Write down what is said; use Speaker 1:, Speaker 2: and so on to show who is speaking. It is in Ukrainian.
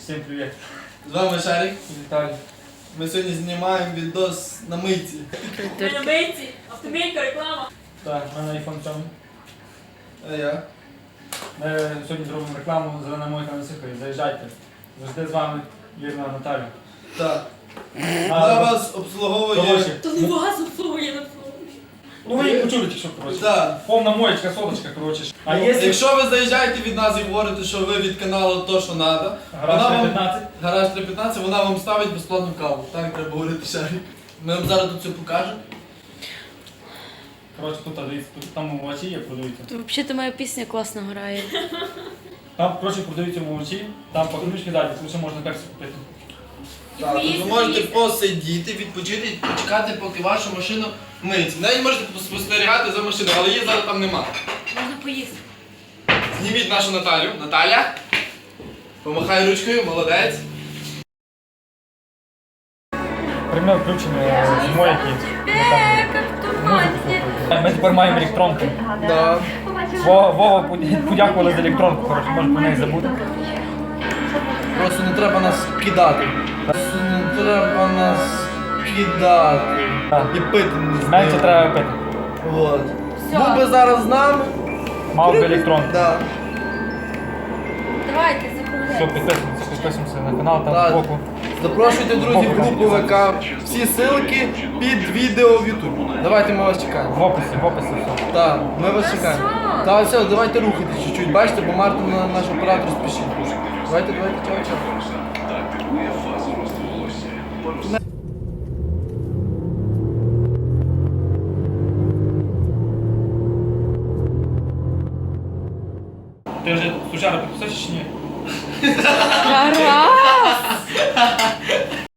Speaker 1: Всім привіт.
Speaker 2: З вами Шарик.
Speaker 1: Віталій.
Speaker 2: Ми сьогодні знімаємо відос на мийці.
Speaker 3: Ми на мийці, автомійка, реклама.
Speaker 1: Так, в мене iPhone 7.
Speaker 2: А я?
Speaker 1: Ми сьогодні зробимо рекламу «Зелена мойка на Сихові». Заїжджайте. Завжди з вами Вірна Наталя.
Speaker 2: Так. Вона вас обслуговує.
Speaker 1: Коротше,
Speaker 3: То не вас обслуговує на фоні.
Speaker 1: ну ви їх почули тільки що, коротше.
Speaker 2: Так.
Speaker 1: Повна моєчка, соточка, коротше. А якщо
Speaker 2: Якщо ви заїжджаєте від нас і говорите, що ви від каналу то, що треба,
Speaker 1: гараж 315,
Speaker 2: гараж 315, вона вам ставить безплатну каву. Так треба говорити, Шарик. Ми вам зараз тут все покажемо.
Speaker 1: коротше, тут дивіться, тут там молочі є, продаються.
Speaker 3: Взагалі моя пісня класно грає.
Speaker 1: Там, коротше, продаються молочі, там по книжці далі, тому що можна перси купити.
Speaker 2: Так, тут ви можете посидіти, відпочити і почекати, поки вашу машину миється. Навіть можете спостерігати за машиною, але її зараз там нема.
Speaker 3: Можна поїсти.
Speaker 2: Зніміть нашу Наталю. Наталя. Помахай ручкою, молодець.
Speaker 1: Пряме включення з мойки. Музику слухають. Ми тепер маємо електронку.
Speaker 2: Да.
Speaker 1: Вова подякували за електронку, коротше, можна про неї забути.
Speaker 2: Просто не треба нас кидати. Просто не треба нас кидати.
Speaker 1: Так.
Speaker 2: І пити не
Speaker 1: Менше
Speaker 2: знаю.
Speaker 1: треба пити.
Speaker 2: От. Був би зараз з нами.
Speaker 1: Мав би електронку.
Speaker 2: Да.
Speaker 3: Давайте,
Speaker 1: Все,
Speaker 3: закругляйте.
Speaker 1: підписуємося на канал, там
Speaker 2: Так.
Speaker 1: збоку.
Speaker 2: Запрошуйте друзів в групу ВК. Всі ссылки під відео в Ютубі. Давайте ми вас чекаємо.
Speaker 1: В описі все.
Speaker 2: Так, ми вас чекаємо. Так, все, давайте рухайтесь чуть-чуть. Бачите, бо Мартин наш оператор спішить. Давайте, чао.
Speaker 1: Ти вже сучара підписався чи ні?
Speaker 3: Ра-ра!